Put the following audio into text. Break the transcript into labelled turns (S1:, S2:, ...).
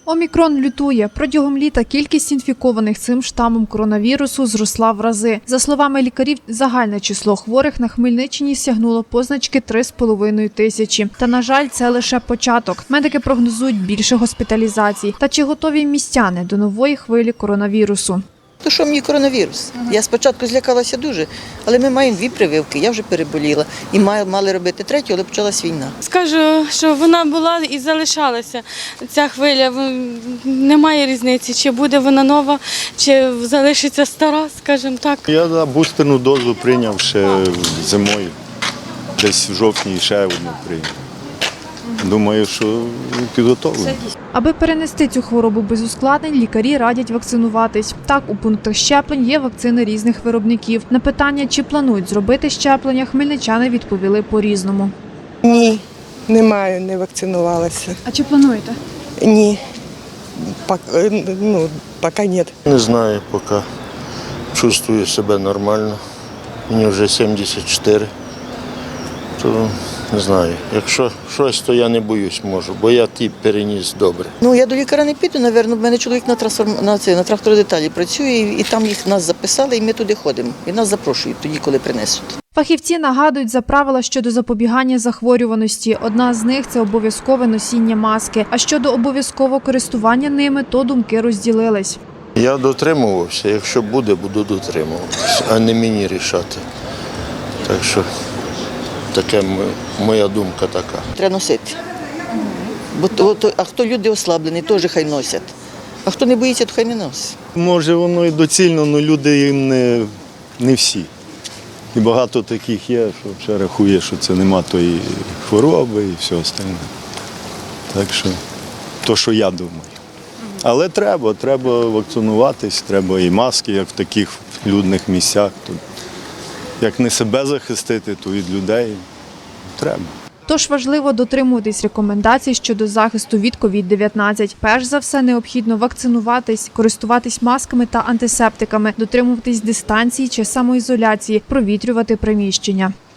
S1: Омікрон лютує. Протягом літа кількість інфікованих цим штамом коронавірусу зросла в рази. За словами лікарів, загальне число хворих на Хмельниччині сягнуло позначки 3,5 тисячі. Та, на жаль, це лише початок. Медики прогнозують більше госпіталізацій. Та чи готові містяни до нової хвилі коронавірусу?
S2: То що мені коронавірус? Я спочатку злякалася дуже, але ми маємо 2 прививки, я вже переболіла. І мали робити 3-ю, але почалась війна.
S3: Скажу, що вона була і залишалася, ця хвиля. Немає різниці, чи буде вона нова, чи залишиться стара, скажімо так.
S4: Я бустерну дозу прийняв ще зимою, десь в жовтні ще одну прийняв. Думаю, що підготовлений.
S1: Аби перенести цю хворобу без ускладнень, лікарі радять вакцинуватись. Так, у пунктах щеплень є вакцини різних виробників. На питання, чи планують зробити щеплення, хмельничани відповіли по-різному.
S5: Ні, немає, не вакцинувалася.
S1: А чи плануєте?
S5: Ні, поки ні.
S4: Не знаю, поки чувствую себе нормально. Мені вже 74. То не знаю. Якщо щось, то я не боюсь можу, бо я переніс добре.
S2: Я до лікаря не піду, мабуть, в мене чоловік на трактородеталі працює, і там нас записали, і ми туди ходимо. І нас запрошують тоді, коли принесуть.
S1: Фахівці нагадують за правила щодо запобігання захворюваності. Одна з них – це обов'язкове носіння маски. А щодо обов'язкового користування ними, то думки розділились.
S4: Я дотримувався, якщо буде, буду дотримуватися, а не мені рішати. Так що таке моя думка така.
S2: Треба носити. А хто люди ослаблені, теж хай носять. А хто не боїться, то хай не носить.
S4: Може воно і доцільно, але люди їм не всі. І багато таких є, що ще рахує, що це нема тої хвороби і все остальне. Так що, то, що я думаю. Але треба вакцинуватись, треба і маски, як в таких людних місцях. Як не себе захистити, то від людей треба.
S1: Тож важливо дотримуватись рекомендацій щодо захисту від COVID-19. Перш за все, необхідно вакцинуватись, користуватись масками та антисептиками, дотримуватись дистанції чи самоізоляції, провітрювати приміщення.